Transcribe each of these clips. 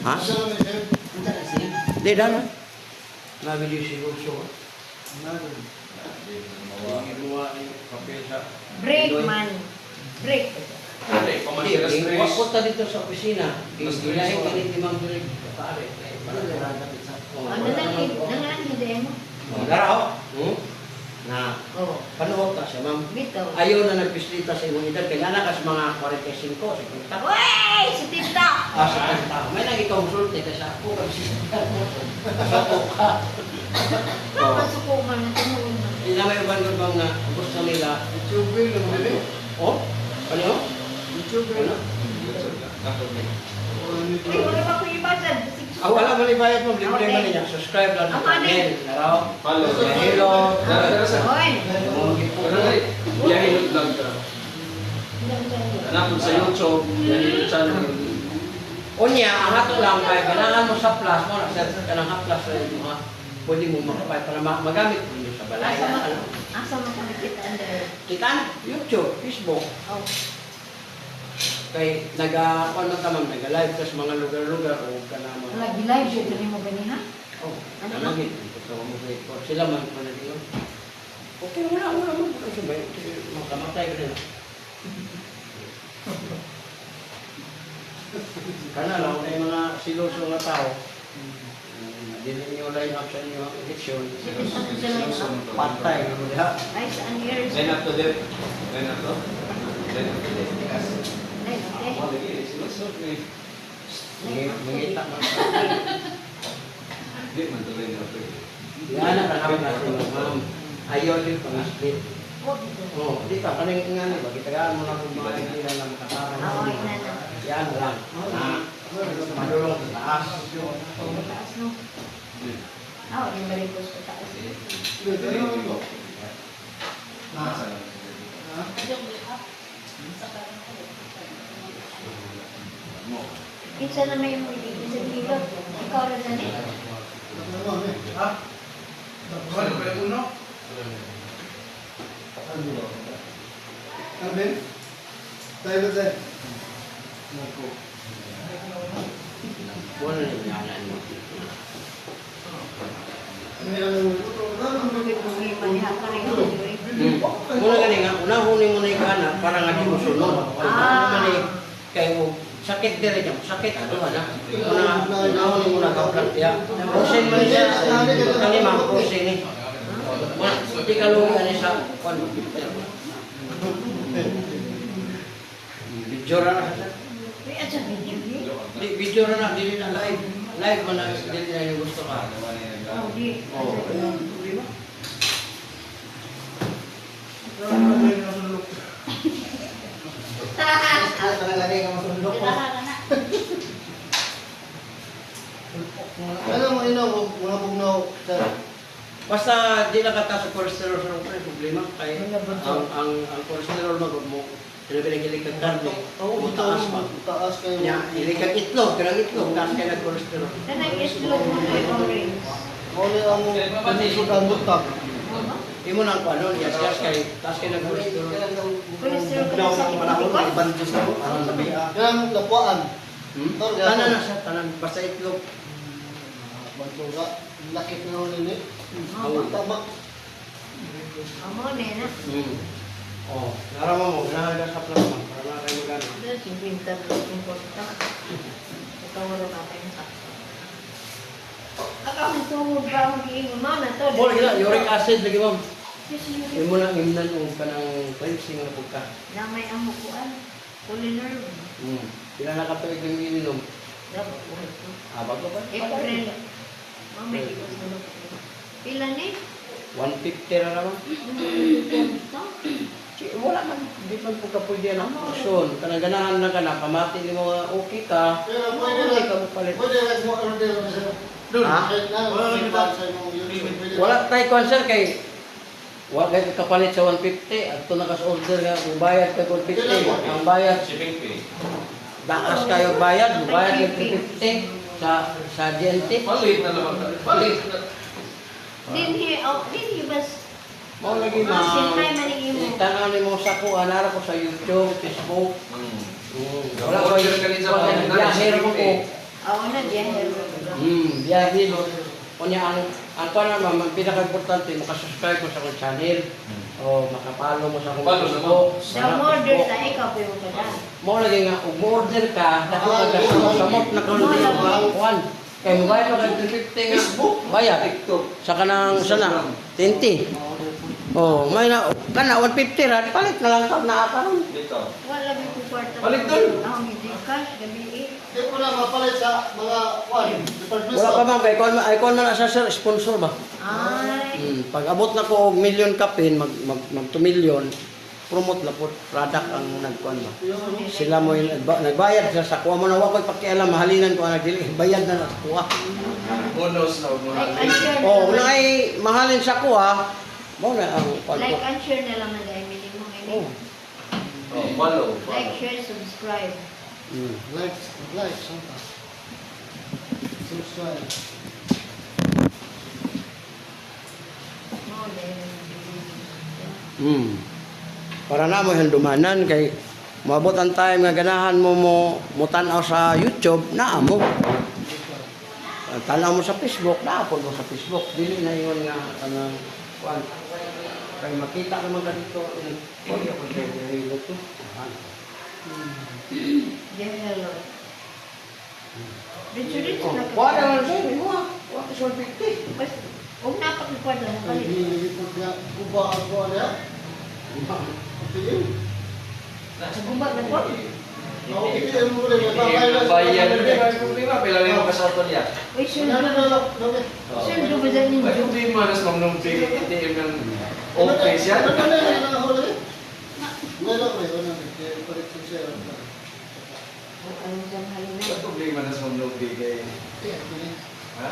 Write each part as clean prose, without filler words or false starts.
Ha? Di na. Nabili siguro siya. Break man. Break. Wag punta dito sa opisina. Gilahin ka ni Timang Bilig. Pare. Ano lang hindi mo? Daraw. Na panuot ta siya, ma'am. Bito. Ayaw na nagpislita sa imong edad. Kaya nakas mga 45, 50. Wey! Si Tita! Sa 50. May nang i-consult ka sa ako. Sato ka. Masuko man na tumuon man. May uban ko bang gusto nila. YouTube lang mo Oh? Ano? YouTube Ano? Ay, wala pa ko ibasad. Wala mo libayad mo. Libre mo niya. Subscribe lang ng channel. Naraw. Follow. Hello. Oy! Yahilot lang ka. Anak mo sa YouTube, Yahilot channel. Unya, ang ato lang kay kailangan mo sa plus mo. Nag-search ka ng plus sa inyo ha. Pwede mo makapay para magamit mo sa balay. Asa mo sa nakita under? Kita na. YouTube, Facebook. Oh. Kay nag-ano ka ma'am, nag-live ka sa mga lugar-lugar o ka na mga... Nag-live siya ito mo gani ha? Oh, nanagit. Sila man pa na dito. Okay, wala mo. Sabay, makamatay ka rin. Kana lang, ay mga siloso nga tao. Dili niyo line up sa inyo ang eleksyon. Patay. Ay, saan years? Line up to them. Line up to? Line up to them. Ay, okay. Mangita man. Hindi man to line up to. Yan ang nakawin natin, ma'am. Ayaw din pang-split. Oh, di ka kaning nga ba gitagaan mo na kung mga hindi na makatara. Okay na na. Yan lang. Madulong sa taas. Taas no? Ah, yung barikos ko taas. Kinsa na may mga isang kilo. Ikaw rin na niya. Alvin? Tayo ba tayo? Wala na yung yanan mo. Muna gani nga, unahuli mo na yung kana para nga di mo sunod. Kaya sakit dire dyan, sakit ano na. Unahuli mo na kaprantya. Pusin mo niya, kanima, pusin ni. Hindi ka luwi ani sa video ra na. May at sa video niya. Video ra na, dili na live. Live mo na, dili na yung gusto ka. Oh, di. Problema? Ano mo ino, mga bugnaw sa... Basta di na kata sa cholesterol sa problema kay ang cholesterol magod mo sinabi ng ilikag karne o taas pa. Taas kayo. Nya ilikag itlog, kanang itlog taas kay ng cholesterol. Kanang islog mo na yung orange. Muli ang panisukan butak. Imo nang ano, yes kay taas kay ng cholesterol. Cholesterol ka sa Panahon ikot. bandus na po. Yan, lapuan. Tanan na sa tanan basta itlog. Bantuga, lakit na ulit ni. Amo Tabak. na. Oh, narama mo, ganahan ka sa plasma para na kayo magana. Dahil si winter na important. Ikaw wala natin sa. Ako tungod ba ang giingon mo na to? Mo gila uric acid lagi ma'am. Yes, you Imo lang imnan og kanang cleansing na pagka. na may amukuan. Culinary. Pila na ka tuig ng ininom. Dapat buhay ko. Bago ba? April. Mamay di ko sa pila ni? 150 na naman. Wala man, di man po ka pwede na aksyon. Kanang ganahan na ka na, pamati ni mga okay ka. Pero Pwede ka magpalit. Pwede lang mo ano din sa... Wala tayo concern kay wala kayo kapalit sa 150. At ito nakas-order nga, bayad ka 150. Ang bayad, Shipping fee. dakas kayo bayad, bayad yung 350 sa GNT. Palit na naman. Palit na. Dinhi bas. Mau lagi Sin ay maningin mo. Tanaw ni mo sa ko, anara ko sa YouTube, Facebook. Wala Order ka rin sa mga Biyahe ko ko. Ako na, biyahe. Biyahe, no? Kunya, ang pa naman, ang pinaka-importante, makasubscribe mo sa akong channel. O makapalo mo sa akong Follow Facebook. Sa order na ikaw, pero ka na. Mo lagi nga, kung order ka, dako ka sa samot na kundi kuan. Kaya mo bayad ka 250 nga. Bayad. Sa kanang sana, 20. Oh, may na, kana 150 ra, palit na lang ka na karon. Dito. Wala may kwarta. Balik doon. Ako hindi cash, gabi eh. Hindi ko na mapalit sa mga kwan. Department Wala pa store. man, kay kon man sa sir, sponsor ba? Ay. Pag abot na ko og million kapin, mag 2 million, promote na po product ang nagkuan ba. Sila mo yung nagbayad sila sa kuha mo na wa ko'y pakialam mahalinan ko ang nagdili bayad na sa kuha. Bonus na mo Like na. and share na Oh, lang. wala ay mahalin sa kuha, mo na ang kuan Like ko. and share na lang na dahil minimum. Oh. Oh, follow. Like, share, subscribe. Like, something. Subscribe. Oh, dahil. Para na mo handumanan kay moabot ang time nga ganahan mo tan-aw sa YouTube na amo. Tanaw mo sa Facebook, naapon mo sa Facebook. Dili na yun nga kanang kuan. Kay makita naman ka dito. Oy, ako dito to. Dear hello. Dito na ka. Kuha naman sa'yo, mo. Kuha ka 150. Bas, huwag na pakikwarta mo kalit. Hindi ko niya kuba ako niya. Tingin. Sa gubat na po. Ako tingin mo rin. Bayan na problema pila mo ka sa auto niya. Uy, sundo ba dyan ninyo? Ay problema na sa mga ATM ng okay siya. Ano dyan halina? Ay problema na sa mga kay ha?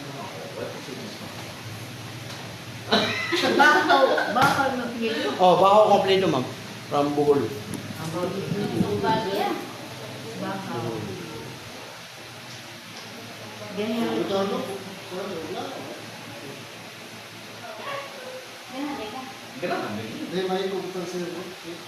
Bakaw na pili. Oh, baho kompleto ma'am. From Bohol. Bakaw. Dear hello. Ganahan din.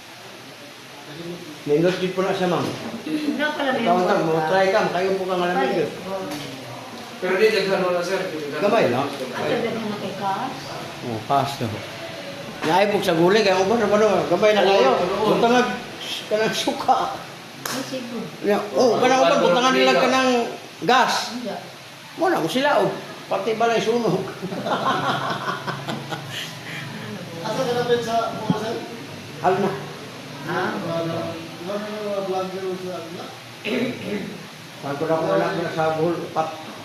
Nindot din po na siya ma'am. Una pala may Ikaw ang mo try ka, kayo po kang alam nito. Pero di daghan wala sir. Gamay lang. At daghan na kay Kas. Oh, pass na. Naipog sa gulay kaya uban na gamay na kayo. Butangag kanang suka. Ay, siguro. Oh, kanang uban butangan nila kanang gas. Hindi. Mo na mo sila og pati balay sunog. Asa ka na sa mga sir? Hal na. Vlogger sa ano? Pag ko na ko na sa Bohol pat.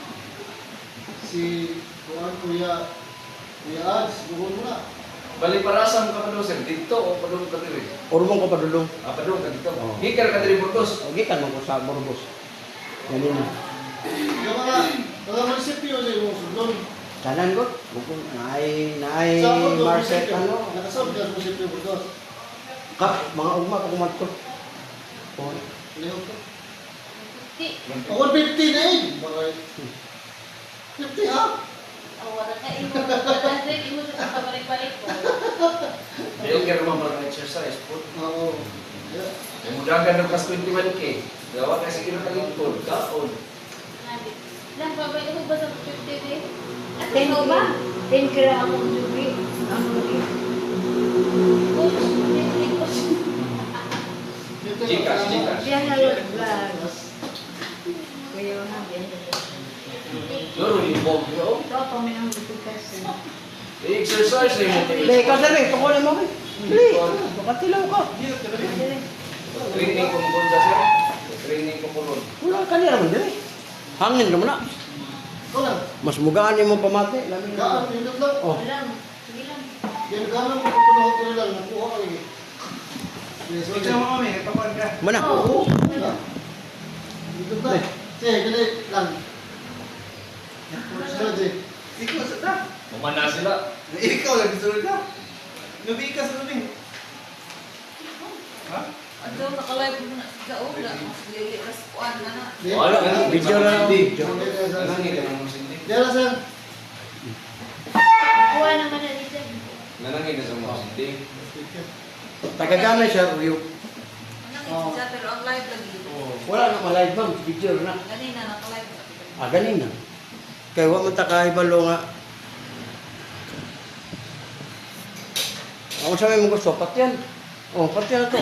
Si Kuya Ads, buhol mo na. Bali parasam ka pa daw sir dito o padung ka diri. Urmong ko padulong. Ah padung ka dito. Oo. Hikar ka diri Burgos. Og gikan mo ko sa Burgos. Ganun na. Yung mga munisipyo sa yung sudlon. Kanan ko. Bukong naay Marset ano. Nakasab ka sa munisipyo Burgos. Mga ugma ko kumadto. Oh. Lihok ka. Ako 50 na eh. 50 ha? Hikar mo mga exercise po. Oo. Ay mudagan ng kas 21k. Gawa ka sa kinakalimpod. Kaon. Ten ba? 10 gramo ang jubi. Ang jubi. Gcash. Dear hello, vlog. Kuya na, dear hello. Loro yung bog yo. Ito pa may ang kasi. I-exercise na yung Dili ka sa rin, tukunin mo kay. Dili. Makatilaw ka. Training ko mo sa sir. Training ko po ron. Wala ka nila man dili. Hangin ka mo na. Ikaw lang. Mas mugaan mo pamati. Lamin Gaan, na. yun lang. Oh. Sige lang. Yan gaan mo pupunahot ko lang. Nakuha ka eh. Yes, okay. Mana? Oo. Dito na. Sige, ganit lang. Sige. Ikaw sa ta. Umana sila. Ikaw lagi sunod na. Gabi ka sa gabi. Ha? Ato nakalive mo na sa ula, mas lili kas kuan na na. Wala ka na. Video na lang. Video. Nanangin ka naman sa hindi. Yan na sir. Kuha naman na dito. Nanangin ka sa mga hindi. Tagagamay siya, Ryo. Anong isa pero ang live lagi. Wala na ma-live ma'am. Video na. Ganina nakalive ganin na. Kaya wa man ta kahibalo nga. Ako sa may gusto, patyan. Oh, patyan na to.